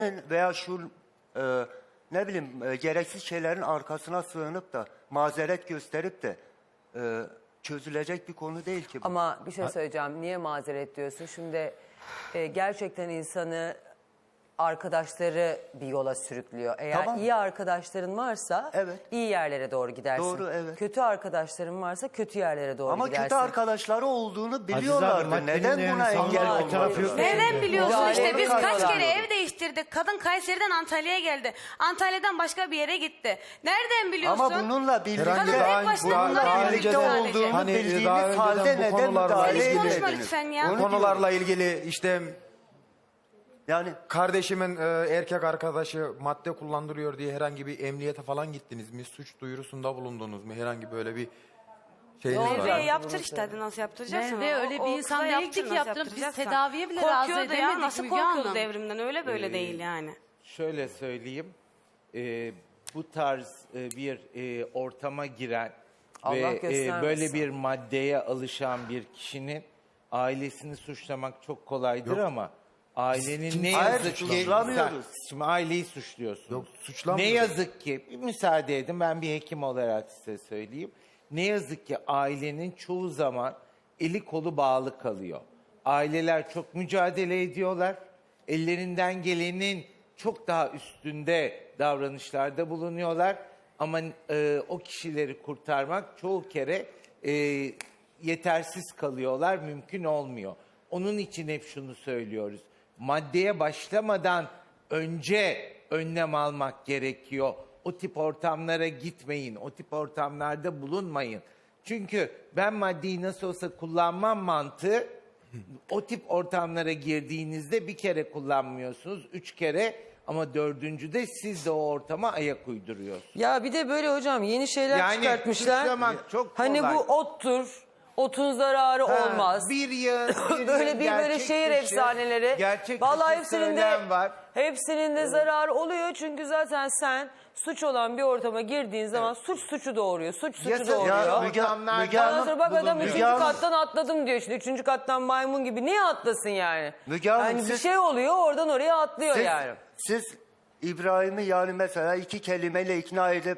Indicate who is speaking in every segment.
Speaker 1: veya şu ne bileyim gereksiz şeylerin arkasına sığınıp da mazeret gösterip de çözülecek bir konu değil ki bu.
Speaker 2: Ama bir şey söyleyeceğim. Niye mazeret diyorsun? Şimdi gerçekten insanı arkadaşları bir yola sürüklüyor. Eğer
Speaker 1: Tamam.
Speaker 2: iyi arkadaşların varsa
Speaker 1: Evet.
Speaker 2: iyi yerlere doğru gidersin.
Speaker 1: Doğru, evet.
Speaker 2: Kötü arkadaşların varsa kötü yerlere doğru
Speaker 1: Ama
Speaker 2: gidersin.
Speaker 1: kötü arkadaşları olduğunu biliyorlardı.
Speaker 3: maddenin
Speaker 1: Neden
Speaker 3: yani
Speaker 1: buna
Speaker 3: sağlığı
Speaker 1: engel
Speaker 3: bir tarafı yok.
Speaker 1: olmadılar?
Speaker 4: Neden biliyorsun
Speaker 2: Müdahale
Speaker 4: işte biz kaç
Speaker 2: ediyorlar.
Speaker 4: kere ev değiştirdik. Kadın Kayseri'den Antalya'ya geldi. Antalya'dan başka bir yere gitti. Nereden biliyorsun?
Speaker 1: Ama bununla birlikte,
Speaker 4: Kadın tek başına bunları
Speaker 1: birlikte
Speaker 4: yapıyor sadece.
Speaker 1: olduğunu
Speaker 3: Hani
Speaker 1: bildiğiniz
Speaker 3: daha önceden
Speaker 1: halde
Speaker 3: bu
Speaker 1: neden
Speaker 3: konularla
Speaker 1: müdahale
Speaker 4: Sen hiç
Speaker 3: ilgili-
Speaker 4: konuşma
Speaker 1: etmediniz?
Speaker 4: lütfen ya.
Speaker 1: Onu diyorum.
Speaker 3: Konularla ilgili işte
Speaker 1: Yani
Speaker 3: kardeşimin erkek arkadaşı madde kullandırıyor diye herhangi bir emniyete falan gittiniz mi? Suç duyurusunda bulundunuz mu? Herhangi böyle bir şeyiniz var
Speaker 4: Merve'ye
Speaker 3: mı?
Speaker 4: yaptır işte hadi nasıl yaptıracaksın?
Speaker 5: Merve öyle bir insan
Speaker 4: kıza
Speaker 5: değildi ki
Speaker 4: nasıl
Speaker 5: yaptırıp biz
Speaker 4: yaptıracaksan.
Speaker 5: tedaviye bile razı
Speaker 4: Korkuyordu ya
Speaker 5: edemedik
Speaker 4: nasıl
Speaker 5: Müge
Speaker 4: korkuyordu
Speaker 5: Hanım.
Speaker 4: devrimden öyle böyle değil yani.
Speaker 6: Şöyle söyleyeyim, bu tarz bir ortama giren
Speaker 2: Allah
Speaker 6: ve
Speaker 2: göstermesin.
Speaker 6: böyle bir maddeye alışan bir kişinin ailesini suçlamak çok kolaydır ama ailenin ne
Speaker 1: Hayır,
Speaker 6: yazık ki...
Speaker 1: suçlamıyoruz.
Speaker 6: Şimdi aileyi suçluyorsunuz.
Speaker 3: Yok,
Speaker 6: Ne
Speaker 3: suçlamıyoruz.
Speaker 6: yazık ki, bir müsaade edin ben bir hekim olarak size söyleyeyim. Ne yazık ki ailenin çoğu zaman eli kolu bağlı kalıyor. Aileler çok mücadele ediyorlar. Ellerinden gelenin çok daha üstünde davranışlarda bulunuyorlar. Ama o kişileri kurtarmak çoğu kere yetersiz kalıyorlar, mümkün olmuyor. Onun için hep şunu söylüyoruz. Maddeye başlamadan önce önlem almak gerekiyor. O tip ortamlara gitmeyin, o tip ortamlarda bulunmayın. Çünkü ben maddeyi nasıl olsa kullanmam mantığı, o tip ortamlara girdiğinizde bir kere kullanmıyorsunuz, 3 kere ama 4.'de siz de o ortama ayak uyduruyorsunuz.
Speaker 2: Ya bir de böyle hocam yeni şeyler
Speaker 6: Yani
Speaker 2: çıkartmışlar.
Speaker 6: suçlamak çok
Speaker 2: Hani
Speaker 6: kolay.
Speaker 2: bu ottur. Otun zararı olmaz.
Speaker 6: Bir yıl,
Speaker 2: Böyle böyle şehir efsaneleri.
Speaker 6: Gerçek
Speaker 2: Vallahi
Speaker 6: dışı
Speaker 2: hepsinin de
Speaker 6: söylem var.
Speaker 2: hepsinin de zararı oluyor çünkü zaten sen suç olan bir ortama girdiğin zaman suçu doğuruyor. Suç suçu
Speaker 6: Yasa-
Speaker 2: doğuruyor.
Speaker 6: Ya
Speaker 1: Müge
Speaker 6: ortamlarda
Speaker 2: Ondan sonra bak adam
Speaker 1: Müge
Speaker 2: 3.
Speaker 1: Hanım-
Speaker 2: kattan atladım diyor şimdi. 3. kattan maymun gibi. Niye atlasın yani?
Speaker 1: Müge Hanım,
Speaker 2: Yani bir
Speaker 1: siz-
Speaker 2: şey oluyor oradan oraya atlıyor yani.
Speaker 1: siz İbrahim'i yani mesela 2 kelimeyle ikna edip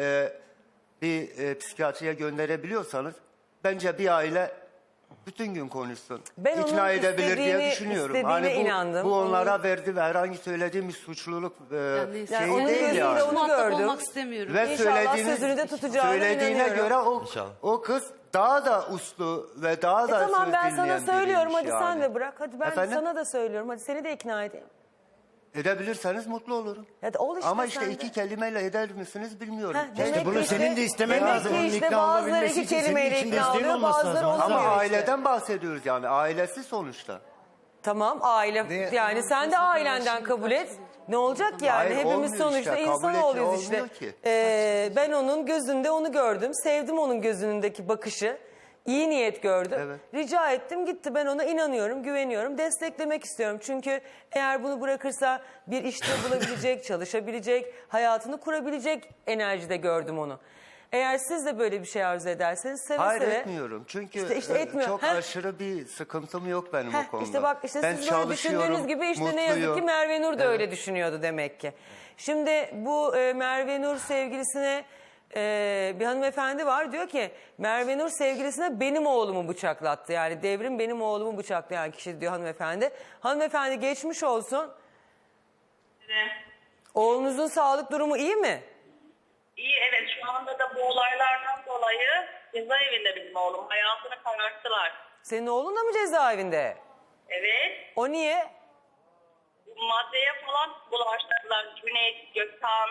Speaker 1: bir psikiyatriye gönderebiliyorsanız bence bir aile bütün gün konuşsun.
Speaker 2: Ben onun
Speaker 1: İkna edebilir diye
Speaker 2: istediğini-
Speaker 1: düşünüyorum.
Speaker 2: istediğine
Speaker 1: Hani
Speaker 2: inandım.
Speaker 1: bu onlara verdi ve herhangi söylediğimiz suçluluk
Speaker 2: Yani
Speaker 1: şeyi
Speaker 2: onun
Speaker 1: değil
Speaker 2: gözünde
Speaker 1: yani.
Speaker 2: onu
Speaker 5: Muhatap
Speaker 2: gördüm.
Speaker 5: olmak istemiyorum.
Speaker 1: Ve
Speaker 2: İnşallah sözünü de tutacağına
Speaker 1: söylediğine
Speaker 2: inanıyorum.
Speaker 1: göre
Speaker 3: İnşallah.
Speaker 1: o kız daha da uslu ve daha da
Speaker 2: Tamam
Speaker 1: söz
Speaker 2: ben sana
Speaker 1: dinleyen
Speaker 2: söylüyorum hadi
Speaker 1: biriymiş
Speaker 2: sen
Speaker 1: yani.
Speaker 2: de bırak. Hadi ben
Speaker 1: Efendim?
Speaker 2: sana da söylüyorum. Hadi seni de ikna edeyim.
Speaker 1: Edebilirseniz mutlu olurum.
Speaker 2: Hadi ol işte
Speaker 1: Ama
Speaker 2: sen
Speaker 1: işte
Speaker 2: de.
Speaker 1: 2 kelimeyle eder misiniz bilmiyorum.
Speaker 2: Heh,
Speaker 1: Keşke
Speaker 2: demek
Speaker 3: bunu
Speaker 2: ki
Speaker 3: senin de istemen
Speaker 2: demek
Speaker 3: lazım.
Speaker 2: ki
Speaker 3: Onun
Speaker 2: işte
Speaker 3: ikna
Speaker 2: bazıları
Speaker 3: olabilmesi
Speaker 2: 2
Speaker 3: için senin
Speaker 2: kelimeyle
Speaker 3: içinde
Speaker 2: ikna
Speaker 3: isteğin
Speaker 2: oluyor,
Speaker 3: olması
Speaker 2: bazıları
Speaker 3: lazım.
Speaker 2: olamıyor
Speaker 1: Ama
Speaker 2: işte.
Speaker 1: aileden bahsediyoruz yani. Ailesi sonuçta.
Speaker 2: Tamam aile yani sen de ailenden kabul et. Ne olacak yani?
Speaker 1: Hayır,
Speaker 2: Hepimiz
Speaker 1: olmuyor
Speaker 2: sonuçta
Speaker 1: işte. Kabul
Speaker 2: insanoğluyuz
Speaker 1: olmuyor
Speaker 2: işte.
Speaker 1: ki.
Speaker 2: Ben onun gözünde onu gördüm. Sevdim onun gözündeki bakışı. İyi niyet gördüm.
Speaker 1: Evet.
Speaker 2: Rica ettim gitti. Ben ona inanıyorum, güveniyorum. Desteklemek istiyorum. Çünkü eğer bunu bırakırsa bir işte bulabilecek, çalışabilecek, hayatını kurabilecek enerjide gördüm onu. Eğer siz de böyle bir şey arzu ederseniz seve
Speaker 1: Hayır
Speaker 2: seve.
Speaker 1: etmiyorum. Çünkü
Speaker 2: İşte etmiyor.
Speaker 1: çok
Speaker 2: Heh.
Speaker 1: aşırı bir sıkıntım yok benim
Speaker 2: Heh,
Speaker 1: o konuda.
Speaker 2: İşte bak işte
Speaker 1: Ben
Speaker 2: siz böyle düşündüğünüz gibi işte ne yazık ki
Speaker 1: mutluyum.
Speaker 2: Merve Nur da
Speaker 1: Evet.
Speaker 2: öyle düşünüyordu demek ki. Şimdi bu Merve Nur sevgilisine bir hanımefendi var diyor ki Merve Nur sevgilisine benim oğlumu bıçaklattı. Yani Devrim benim oğlumu bıçaklayan kişi diyor hanımefendi. Hanımefendi geçmiş olsun.
Speaker 7: Evet.
Speaker 2: Oğlunuzun sağlık durumu iyi mi?
Speaker 7: İyi evet şu anda da bu olaylardan dolayı cezaevinde bizim oğlum. Hayatını kararttılar.
Speaker 2: Senin oğlun da mı cezaevinde?
Speaker 7: Evet.
Speaker 2: O niye?
Speaker 7: Maddeye falan bulaştırdılar. Cüneyt, Gökhan,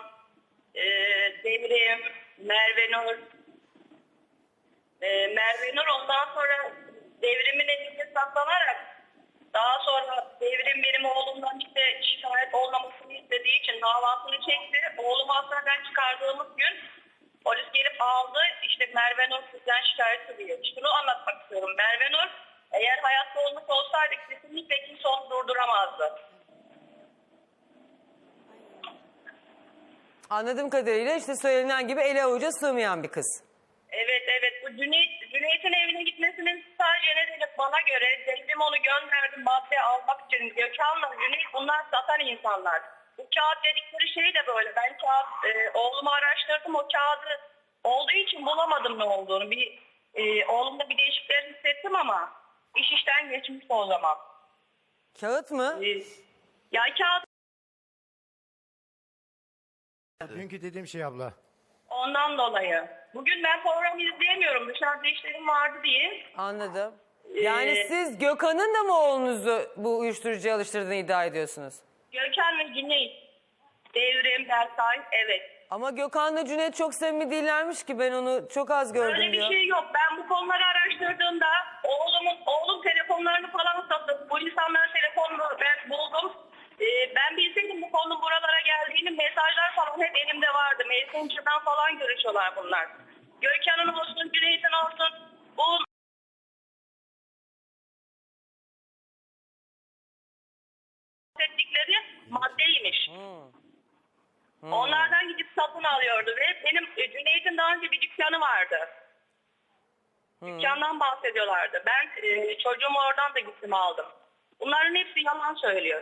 Speaker 7: Devrim, Merve Nur. Merve Nur ondan sonra Devrim'in elinde saklanarak daha sonra Devrim benim oğlumdan işte şikayet olmamasını istediği için davasını çekti. Oğlumu hastaneden çıkardığımız gün polis gelip aldı. İşte Merve Nur sizden şikayet ediyor. Şunu anlatmak istiyorum. Merve Nur eğer hayatta olmuş olsaydı kesinlikle kimse onu durduramazdı.
Speaker 2: Anladığım kadarıyla işte söylenen gibi ele avuca sığmayan bir kız.
Speaker 7: Evet bu Cüneyt'in evine gitmesinin sadece nedeni bana göre Devrim onu gönderdi madde almak için. Gökhan'la Cüneyt bunlar satan insanlar. bu kağıt dedikleri şey de böyle. Ben oğlumu araştırdım. O kağıdı olduğu için bulamadım ne olduğunu. Oğlumda bir değişiklikler hissettim ama iş işten geçmiş o zaman.
Speaker 2: Kağıt mı?
Speaker 7: Ya kağıt
Speaker 5: Dünkü dediğim şey abla.
Speaker 7: ondan dolayı. Bugün ben program izleyemiyorum. Dışarıda işlerim vardı diye.
Speaker 2: Anladım. Yani siz Gökhan'ın da mı oğlunuzu bu uyuşturucuya alıştırdığını iddia ediyorsunuz?
Speaker 7: Gökhan ve Cüneyt. Devrim, Bersay, evet.
Speaker 2: Ama Gökhan'la Cüneyt çok samimi değillermiş ki, ben onu çok az gördüm
Speaker 7: Öyle bir
Speaker 2: diyor.
Speaker 7: şey yok. Ben bu konuları araştırdığımda oğlum telefonlarını falan sattı. Bu insanların telefonunu ben buldum. Ben bilseydim bu konunun buralara geldiğini, mesajlar falan hep elimde vardı. Messenger'dan falan görüşüyorlar bunlar. Gökhan'ın olsun, Cüneyt'in olsun. Bu ettikleri maddeymiş. Onlardan gidip satın alıyordu ve benim Cüneyt'in daha önce bir dükkanı vardı. Dükkandan bahsediyorlardı. Ben çocuğumu oradan da gittim aldım. Bunların hepsi yalan söylüyor.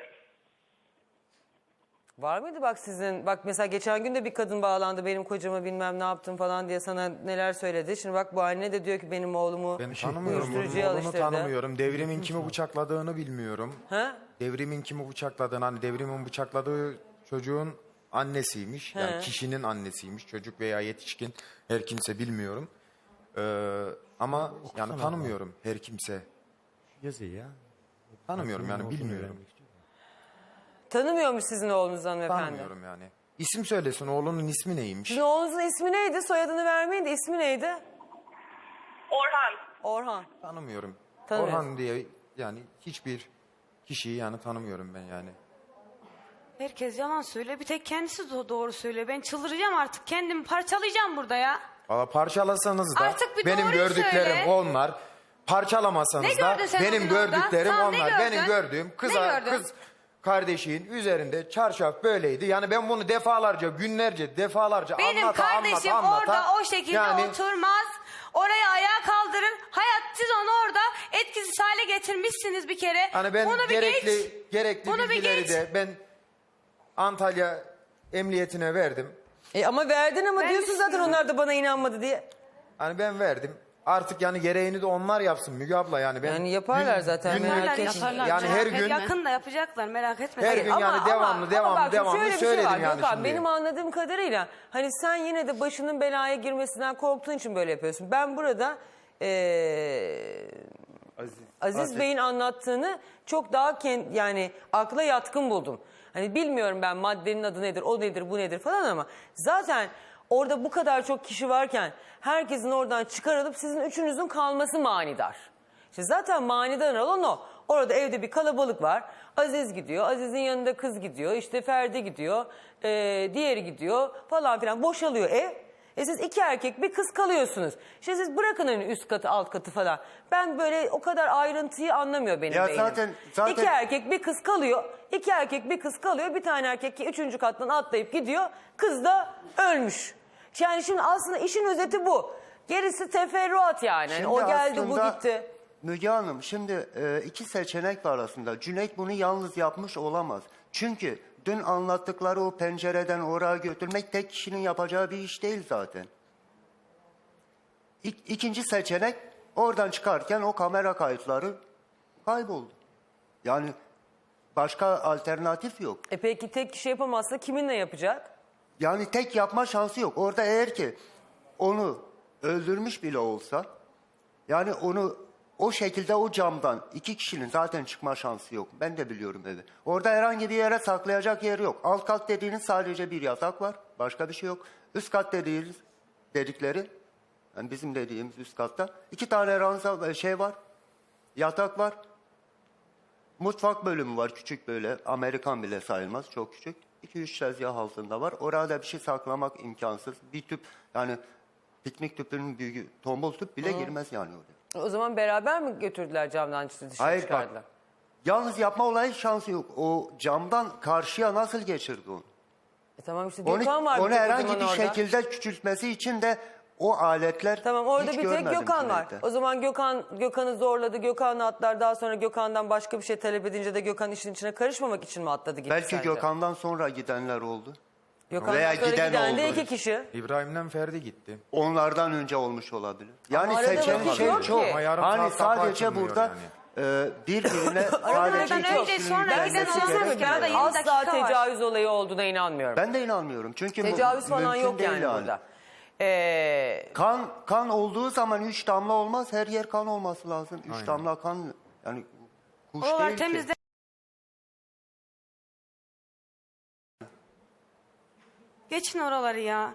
Speaker 2: Var mıydı bak sizin, bak mesela geçen gün de bir kadın bağlandı, benim kocama bilmem ne yaptım falan diye sana neler söyledi. Şimdi bak bu anne de diyor ki benim oğlumu
Speaker 3: Ben tanımıyorum.
Speaker 2: uyuşturucuya
Speaker 3: Oğlunu
Speaker 2: alıştırdı.
Speaker 3: tanımıyorum. Devrimin kimi bıçakladığını bilmiyorum.
Speaker 2: Ha?
Speaker 3: Devrimin kimi bıçakladığını, hani devrimin bıçakladığı çocuğun annesiymiş. Yani
Speaker 2: He.
Speaker 3: kişinin annesiymiş. Çocuk veya yetişkin, her kimse bilmiyorum. Ama yani tanımıyorum her kimse.
Speaker 5: Yazı ya.
Speaker 3: Tanımıyorum yani, bilmiyorum.
Speaker 2: Tanımıyormuş sizin oğlunuz hanımefendi.
Speaker 3: Tanımıyorum yani. İsim söylesin, oğlunun ismi neymiş?
Speaker 2: Sizin oğlunuzun ismi neydi? Soyadını vermeyin de ismi neydi?
Speaker 7: Orhan.
Speaker 2: Orhan.
Speaker 3: Tanımıyorum.
Speaker 2: Tanımıyorsun.
Speaker 3: Orhan diye yani hiçbir kişiyi yani tanımıyorum ben yani.
Speaker 4: Herkes yalan söylüyor. Bir tek kendisi doğru söylüyor. Ben çıldıracağım artık. Kendimi parçalayacağım burada ya.
Speaker 3: Valla parçalasanız da
Speaker 4: Artık bir
Speaker 3: benim
Speaker 4: doğruyu
Speaker 3: gördüklerim
Speaker 4: söyle.
Speaker 3: onlar. Parçalamasanız
Speaker 4: Ne
Speaker 3: da
Speaker 4: gördün sen o
Speaker 3: benim
Speaker 4: gün orada?
Speaker 3: gördüklerim
Speaker 4: Tamam, ne
Speaker 3: onlar.
Speaker 4: gördün?
Speaker 3: Benim gördüğüm
Speaker 4: Ne gördün?
Speaker 3: kız kardeşin üzerinde çarşaf böyleydi. Yani ben bunu defalarca, günlerce, defalarca
Speaker 4: Benim kardeşim
Speaker 3: anlata,
Speaker 4: orada o şekilde
Speaker 3: yani
Speaker 4: oturmaz. Oraya ayağa kaldırır. Hayat, siz onu orada etkisiz hale getirmişsiniz bir kere.
Speaker 3: hani ben
Speaker 4: Bunu bir geç.
Speaker 3: gerekli
Speaker 4: Bunu bir
Speaker 3: bilgileri
Speaker 4: geç.
Speaker 3: de ben Antalya Emniyetine verdim.
Speaker 2: Ama verdin ama
Speaker 4: Ben
Speaker 2: diyorsun zaten
Speaker 4: düşünüyorum.
Speaker 2: onlar da bana inanmadı diye.
Speaker 3: Hani ben verdim. Artık yani gereğini de onlar yapsın Müge abla yani. Ben
Speaker 2: Yani yaparlar zaten, merak
Speaker 4: Yaparlar,
Speaker 2: etme.
Speaker 4: yaparlar.
Speaker 3: Yani her gün
Speaker 4: Yakında yapacaklar, merak etme.
Speaker 3: Her gün yani devamlı
Speaker 2: şöyle bir
Speaker 3: söyledim
Speaker 2: şey var,
Speaker 3: yani
Speaker 2: Gökhan,
Speaker 3: şimdi.
Speaker 2: benim anladığım kadarıyla hani sen yine de başının belaya girmesinden korktuğun için böyle yapıyorsun. Ben burada Aziz Bey'in anlattığını çok daha yani akla yatkın buldum. Hani bilmiyorum ben maddenin adı nedir, o nedir, bu nedir falan ama zaten orada bu kadar çok kişi varken herkesin oradan çıkarılıp sizin üçünüzün kalması manidar. İşte zaten manidar olan o. Orada evde bir kalabalık var. Aziz gidiyor, Aziz'in yanında kız gidiyor, işte Ferdi gidiyor, diğeri gidiyor falan filan, boşalıyor ev. Siz iki erkek bir kız kalıyorsunuz. İşte siz bırakın hani üst katı alt katı falan. Ben böyle o kadar ayrıntıyı anlamıyor benim
Speaker 1: Ya
Speaker 2: beynim.
Speaker 1: zaten-
Speaker 2: İki erkek bir kız kalıyor. İki erkek bir kız kalıyor. Bir tane erkek üçüncü kattan atlayıp gidiyor. Kız da ölmüş. Yani şimdi aslında işin özeti bu. Gerisi teferruat yani. Hani
Speaker 1: Şimdi
Speaker 2: o geldi
Speaker 1: aslında
Speaker 2: bu gitti.
Speaker 1: Müge Hanım şimdi iki seçenek var aslında. Cüneyt bunu yalnız yapmış olamaz. Çünkü dün anlattıkları o pencereden oraya götürmek tek kişinin yapacağı bir iş değil zaten. İkinci seçenek, oradan çıkarken o kamera kayıtları kayboldu. Yani başka alternatif yok.
Speaker 2: Peki tek kişi yapamazsa kiminle yapacak?
Speaker 1: Yani tek yapma şansı yok. Orada eğer ki onu öldürmüş bile olsa, yani onu o şekilde o camdan iki kişinin zaten çıkma şansı yok. Ben de biliyorum evi. Orada herhangi bir yere saklayacak yer yok. Alt kat dediğiniz sadece bir yatak var. Başka bir şey yok. Üst kat dedikleri, yani bizim dediğimiz üst katta iki tane ranza şey var. Yatak var. Mutfak bölümü var, küçük böyle. Amerikan bile sayılmaz, çok küçük. 2-3 tezgah altında var. Orada bir şey saklamak imkansız. Bir tüp, yani piknik tüpünün büyüğü, tombul tüp bile girmez yani oraya.
Speaker 2: O zaman beraber mi götürdüler camdan dışarı
Speaker 1: Hayır
Speaker 2: çıkardılar?
Speaker 1: bak, yalnız yapma olayı şansı yok. O camdan karşıya nasıl geçirdi onu?
Speaker 2: Tamam işte
Speaker 1: Onu,
Speaker 2: Gökhan var.
Speaker 1: onu
Speaker 2: bir tek o
Speaker 1: herhangi
Speaker 2: zaman
Speaker 1: bir
Speaker 2: orada.
Speaker 1: şekilde küçültmesi için de o aletler
Speaker 2: Tamam, orada
Speaker 1: hiç
Speaker 2: bir tek
Speaker 1: görmedim
Speaker 2: Gökhan var.
Speaker 1: Cüneyt'te.
Speaker 2: O zaman Gökhan'ı zorladı. Gökhan'la atlar. Daha sonra Gökhan'dan başka bir şey talep edince de Gökhan işin içine karışmamak için mi atladı gitti
Speaker 1: Belki
Speaker 2: sence?
Speaker 1: Gökhan'dan sonra gidenler oldu.
Speaker 2: Gökhan'dan
Speaker 1: veya
Speaker 2: sonra
Speaker 1: giden
Speaker 2: giden de
Speaker 1: oldu.
Speaker 2: 2 kişi.
Speaker 3: İbrahim'den Ferdi gitti.
Speaker 1: Onlardan önce olmuş olabilir. Yani
Speaker 2: Ama arada
Speaker 1: seçenek
Speaker 2: vakit
Speaker 1: şey
Speaker 2: yok
Speaker 1: çok.
Speaker 2: ki.
Speaker 3: Ama yarım
Speaker 1: Hani
Speaker 3: saat kapı
Speaker 1: sadece
Speaker 3: açılmıyor
Speaker 1: burada birbirine sadece
Speaker 4: Aradan
Speaker 1: iki
Speaker 4: önce,
Speaker 1: kişinin
Speaker 4: sonra
Speaker 1: gelmesi
Speaker 4: giden olan
Speaker 1: gerekmiyor.
Speaker 4: yok. Arada 20
Speaker 2: Asla
Speaker 4: dakika var.
Speaker 2: tecavüz olayı olduğuna inanmıyorum.
Speaker 1: Ben de inanmıyorum. Çünkü
Speaker 2: Tecavüz falan
Speaker 1: mümkün
Speaker 2: yok
Speaker 1: değil
Speaker 2: yani burada.
Speaker 1: Kan olduğu zaman 3 damla olmaz. Her yer kan olması lazım. 3 damla kan yani kuş
Speaker 4: Oralar
Speaker 1: değil ki.
Speaker 4: temizle. Geçin oraları ya.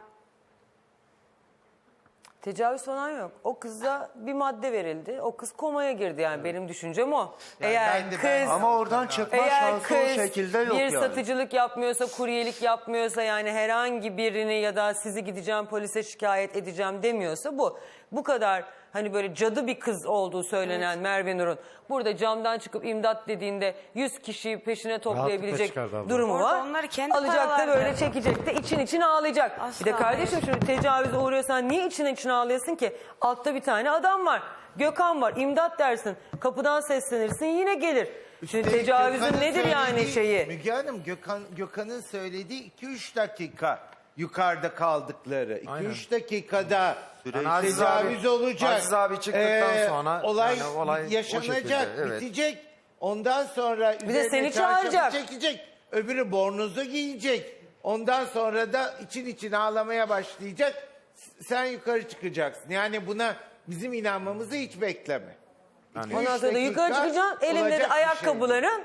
Speaker 2: Tecavüz falan yok. O kıza bir madde verildi. O kız komaya girdi yani benim düşüncem o. Eğer
Speaker 6: ben de-
Speaker 2: kız
Speaker 1: Ama oradan çıkma
Speaker 2: Eğer
Speaker 1: şansı o
Speaker 2: kız
Speaker 1: şekilde yok
Speaker 2: bir
Speaker 1: yani.
Speaker 2: satıcılık yapmıyorsa, kuryelik yapmıyorsa, yani herhangi birini ya da sizi gideceğim polise şikayet edeceğim demiyorsa bu kadar hani böyle cadı bir kız olduğu söylenen Merve Nur'un burada camdan çıkıp imdat dediğinde 100 kişiyi peşine toplayabilecek
Speaker 5: çıkardı abla.
Speaker 2: durumu
Speaker 4: Orada
Speaker 2: var.
Speaker 4: onları kendi
Speaker 2: Alacak da
Speaker 4: paralarla.
Speaker 2: böyle çekecek de için ağlayacak.
Speaker 4: Asla
Speaker 2: Bir de kardeşim şimdi tecavüze uğruyorsan niye için ağlayasın ki? Altta bir tane adam var. Gökhan var. İmdat dersin. Kapıdan seslenirsin yine gelir. Şimdi tecavüzün
Speaker 6: Gökhan'ın
Speaker 2: nedir yani
Speaker 6: söylediği-
Speaker 2: şeyi?
Speaker 6: Müge Hanım, Gökhan'ın söylediği 2-3 dakika yukarıda kaldıkları.
Speaker 3: Aynen.
Speaker 6: 2-3 dakikada
Speaker 3: Yani Aziz
Speaker 6: tecavüz
Speaker 3: abi-
Speaker 6: olacak.
Speaker 3: Aziz abi çıktıktan sonra
Speaker 6: olay,
Speaker 3: yani olay o
Speaker 6: yaşanacak,
Speaker 3: şekilde, evet.
Speaker 6: bitecek. Ondan sonra üzerine
Speaker 2: seni
Speaker 6: çarşafı
Speaker 2: çağıracak.
Speaker 6: çekecek. Öbürü bornozu giyecek. Ondan sonra da için ağlamaya başlayacak. Sen yukarı çıkacaksın. Yani buna bizim inanmamızı hiç bekleme.
Speaker 3: Yani-
Speaker 2: Ondan sonra da yukarı çıkacaksın. Elimde de ayakkabıların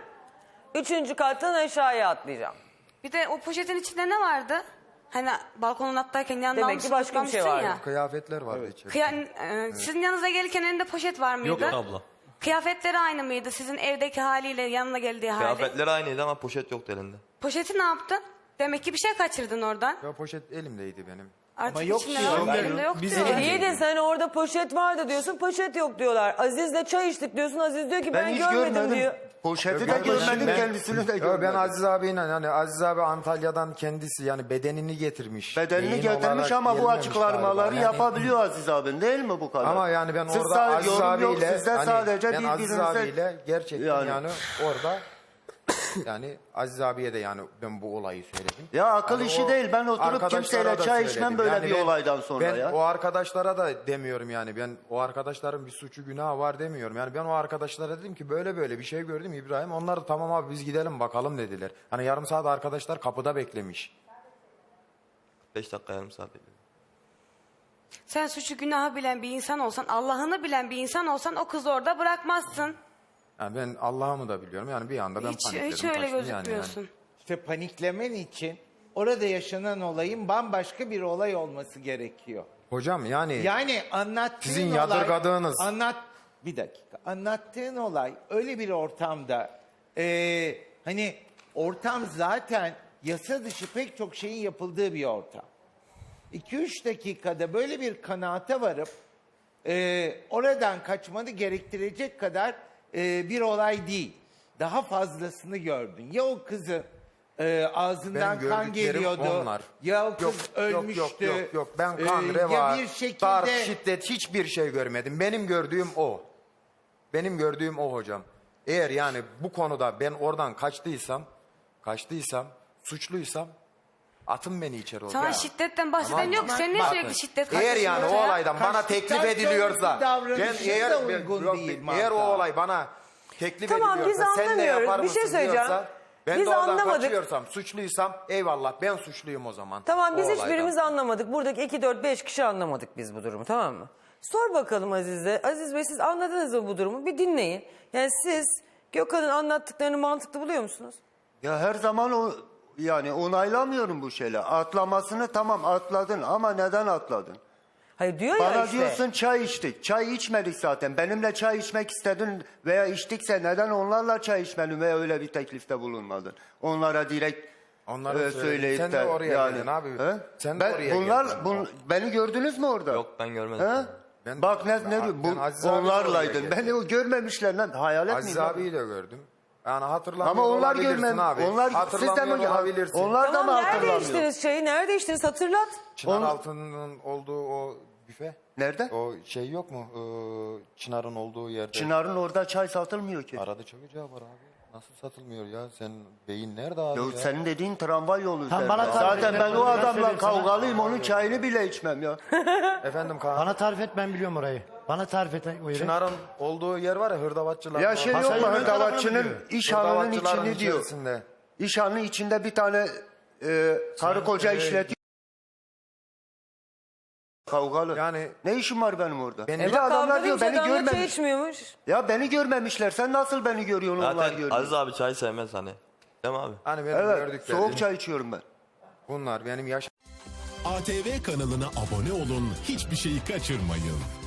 Speaker 2: 3. kattan aşağıya atlayacağım.
Speaker 4: Bir de o poşetin içinde ne vardı? Hani balkonun attayken yanına
Speaker 2: Demek ki başka bir şey
Speaker 4: almışsın
Speaker 2: vardı.
Speaker 3: Kıyafetler vardı içeride.
Speaker 4: Sizin yanınıza gelirken elinde poşet var mıydı?
Speaker 8: Yok abla.
Speaker 4: Kıyafetleri aynı mıydı sizin evdeki haliyle yanına geldiği hali?
Speaker 8: Kıyafetler aynıydı ama poşet yoktu elinde.
Speaker 4: Poşeti ne yaptın? Demek ki bir şey kaçırdın oradan.
Speaker 3: Ya poşet elimdeydi benim.
Speaker 4: Artık
Speaker 6: Ama yok
Speaker 4: içinde
Speaker 6: diyor.
Speaker 4: var, elimde yok
Speaker 3: Biz
Speaker 4: diyor.
Speaker 2: İyi de sen orada poşet vardı diyorsun, poşet yok diyorlar. Aziz'le çay içtik diyorsun, Aziz diyor ki ben,
Speaker 1: hiç
Speaker 2: görmedim,
Speaker 1: görmedim.
Speaker 2: diyor.
Speaker 1: Poşeti de
Speaker 3: Ben-
Speaker 1: görmedim,
Speaker 3: ben-
Speaker 1: kendisini de
Speaker 3: Ya
Speaker 1: görmedim.
Speaker 3: ben Aziz abiyle yani Aziz abi Antalya'dan kendisi yani bedenini getirmiş.
Speaker 1: Bedenini
Speaker 3: Beyin
Speaker 1: getirmiş
Speaker 3: olarak
Speaker 1: ama bu
Speaker 3: gelmemiş
Speaker 1: açıklamaları
Speaker 3: galiba. Yani-
Speaker 1: yapabiliyor Aziz abin değil mi bu kadar?
Speaker 3: Ama yani ben
Speaker 1: Siz
Speaker 3: orada
Speaker 1: sadece
Speaker 3: Aziz
Speaker 1: yorum yok,
Speaker 3: abiyle
Speaker 1: sizde
Speaker 3: hani
Speaker 1: sadece
Speaker 3: ben Aziz
Speaker 1: birbirinize
Speaker 3: abiyle gerçekten
Speaker 1: Yani.
Speaker 3: yani orada yani Aziz abiye de yani ben bu olayı söyledim.
Speaker 1: Ya akıl
Speaker 3: Yani
Speaker 1: işi
Speaker 3: o
Speaker 1: değil. Ben oturup
Speaker 3: arkadaşlara
Speaker 1: kimseyle
Speaker 3: da
Speaker 1: çay
Speaker 3: söyledim.
Speaker 1: içmem böyle bir
Speaker 3: ben-
Speaker 1: olaydan sonra
Speaker 3: ben
Speaker 1: ya.
Speaker 3: o arkadaşlara da demiyorum yani. Ben o arkadaşların bir suçu günahı var demiyorum. Yani ben o arkadaşlara dedim ki böyle böyle bir şey gördüm İbrahim. Onlar da tamam abi biz gidelim bakalım dediler. Hani yarım saat arkadaşlar kapıda beklemiş.
Speaker 8: 5 dakika yarım saat bekledim.
Speaker 4: Sen suçu günahı bilen bir insan olsan, Allah'ını bilen bir insan olsan o kızı orada bırakmazsın.
Speaker 3: Yani ben Allah'ımı da biliyorum. Yani bir anda ben panikledim.
Speaker 4: Hiç öyle
Speaker 3: kaçtım
Speaker 4: gözükmüyorsun.
Speaker 6: İşte paniklemen için orada yaşanan olayın bambaşka bir olay olması gerekiyor.
Speaker 3: Hocam yani
Speaker 6: Yani anlattığın
Speaker 3: Sizin
Speaker 6: olay...
Speaker 3: yadırgadığınız-
Speaker 6: Bir dakika. Anlattığın olay öyle bir ortamda... hani ortam zaten yasa dışı pek çok şeyin yapıldığı bir ortam. 2-3 dakikada böyle bir kanaate varıp... oradan kaçmanı gerektirecek kadar bir olay değil. Daha fazlasını gördün. Ya o kızın ağzından
Speaker 3: Benim
Speaker 6: kan
Speaker 3: gördüklerim
Speaker 6: geliyordu.
Speaker 3: onlar.
Speaker 6: Ya o kız ölmüştü.
Speaker 3: Yok. Ben kan,
Speaker 6: Ya
Speaker 3: reva,
Speaker 6: bir şekilde...
Speaker 3: darp, şiddet hiçbir şey görmedim. Benim gördüğüm o. Benim gördüğüm o hocam. Eğer yani bu konuda ben oradan kaçtıysam, suçluysam atın beni içeri
Speaker 4: Sana
Speaker 3: oraya.
Speaker 4: şiddetten bahseden yok. Sen niye
Speaker 3: Bakın,
Speaker 4: sürekli şiddet
Speaker 3: eğer
Speaker 4: karşısında
Speaker 3: yani o
Speaker 4: ya?
Speaker 3: olaydan bana
Speaker 6: Kaçtıktan
Speaker 3: teklif ediliyorsa
Speaker 6: sonraki davranışın
Speaker 3: ben
Speaker 6: da uygun değil
Speaker 3: eğer o
Speaker 6: mantığa.
Speaker 3: olay bana teklif
Speaker 2: Tamam, biz
Speaker 3: ediliyorsa sen de
Speaker 2: anlamıyoruz.
Speaker 3: yapar
Speaker 2: Bir şey
Speaker 3: mısın
Speaker 2: söyleyeceğim.
Speaker 3: diyorsa ben
Speaker 2: Biz
Speaker 3: de oradan
Speaker 2: anlamadık.
Speaker 3: kaçıyorsam, suçluysam eyvallah ben suçluyum o zaman.
Speaker 2: Tamam, biz
Speaker 3: O
Speaker 2: hiçbirimiz
Speaker 3: olaydan.
Speaker 2: anlamadık. Buradaki 2, 4, 5 kişi anlamadık biz bu durumu, tamam mı? Sor bakalım Aziz'e. Aziz Bey, siz anladınız mı bu durumu? Bir dinleyin. Yani siz Gökhan'ın anlattıklarını mantıklı buluyor musunuz?
Speaker 1: Ya her zaman yani onaylamıyorum bu şeyle. Atlamasını tamam atladın ama neden atladın?
Speaker 2: Hayır diyor ya
Speaker 1: Bana
Speaker 2: işte.
Speaker 1: diyorsun çay içtik. Çay içmedik zaten. Benimle çay içmek istedin veya içtikse neden onlarla çay içmedin veya öyle bir teklifte bulunmadın? Onlara direkt
Speaker 3: Onlara
Speaker 1: söyleyip
Speaker 3: Sen de oraya geldin abi.
Speaker 1: He?
Speaker 3: Sen de
Speaker 1: Ben,
Speaker 3: oraya
Speaker 1: bunlar,
Speaker 3: geldin.
Speaker 1: beni gördünüz mü orada?
Speaker 8: Yok, ben görmedim.
Speaker 1: He?
Speaker 3: Ben-
Speaker 1: Bak
Speaker 3: ben Aziz abiyle
Speaker 1: onlarlaydın.
Speaker 3: oraya
Speaker 1: Beni o görmemişler lan. Hayalet
Speaker 3: Aziz
Speaker 1: miyim?
Speaker 3: abiyi de gördüm. Yani hatırlamıyor
Speaker 1: Ama onlar
Speaker 3: olabilirsin
Speaker 1: görmem.
Speaker 3: abi.
Speaker 1: Onlar
Speaker 3: Hatırlamıyor
Speaker 1: siz de mi?
Speaker 3: olabilirsin.
Speaker 1: Onlar da mı
Speaker 2: Tamam, nerede
Speaker 1: hatırlamıyor?
Speaker 2: içtiniz çayı? Nerede içtiniz? Hatırlat.
Speaker 3: Çınar altının olduğu o büfe.
Speaker 1: Nerede?
Speaker 3: O şey yok mu? Çınar'ın olduğu yerde.
Speaker 1: Çınar'ın orada çay satılmıyor ki.
Speaker 3: Arada çok ocağı var abi. Nasıl satılmıyor ya? Sen beyin nerede abi
Speaker 1: Ya
Speaker 3: ya?
Speaker 1: senin dediğin tramvay yolu
Speaker 5: Tam
Speaker 1: üzerinde.
Speaker 5: bana tarif
Speaker 1: Zaten
Speaker 5: et,
Speaker 1: ben o
Speaker 5: ben
Speaker 1: adamla
Speaker 5: söyleyeyim sana.
Speaker 1: kavgalıyım. Onun çayını bile içmem ya.
Speaker 3: Efendim Kaan.
Speaker 5: Bana tarif et, ben biliyorum orayı. Bana tarif et o yeri.
Speaker 3: Çınar'ın olduğu yer var ya, hırdavatçılar.
Speaker 1: Ya şey yok mu?
Speaker 5: Masayın ön tarafını
Speaker 1: Hırdavatçının
Speaker 5: biliyor.
Speaker 1: işhanının
Speaker 3: Hırdavatçıların
Speaker 1: içini diyor.
Speaker 3: içerisinde.
Speaker 1: İşhanın içinde bir tane karı koca işletiyor. Kavgalı.
Speaker 3: Yani
Speaker 1: Ne işim var benim orada?
Speaker 3: Ben-
Speaker 1: Bir de
Speaker 2: Bak
Speaker 1: adamlar
Speaker 2: kavga
Speaker 1: diyor
Speaker 2: deyince
Speaker 1: beni
Speaker 2: adamlar çay
Speaker 1: görmemiş.
Speaker 2: içmiyormuş.
Speaker 1: Ya beni görmemişler. Sen nasıl beni görüyorsun onlar
Speaker 8: Zaten
Speaker 1: görüyor.
Speaker 8: Aziz abi çay sevmez hani. Değil mi abi?
Speaker 3: hani benim
Speaker 1: Evet.
Speaker 3: gördüklerim.
Speaker 1: Soğuk çay içiyorum ben.
Speaker 3: Bunlar benim yaş
Speaker 9: ATV kanalına abone olun, hiçbir şeyi kaçırmayın.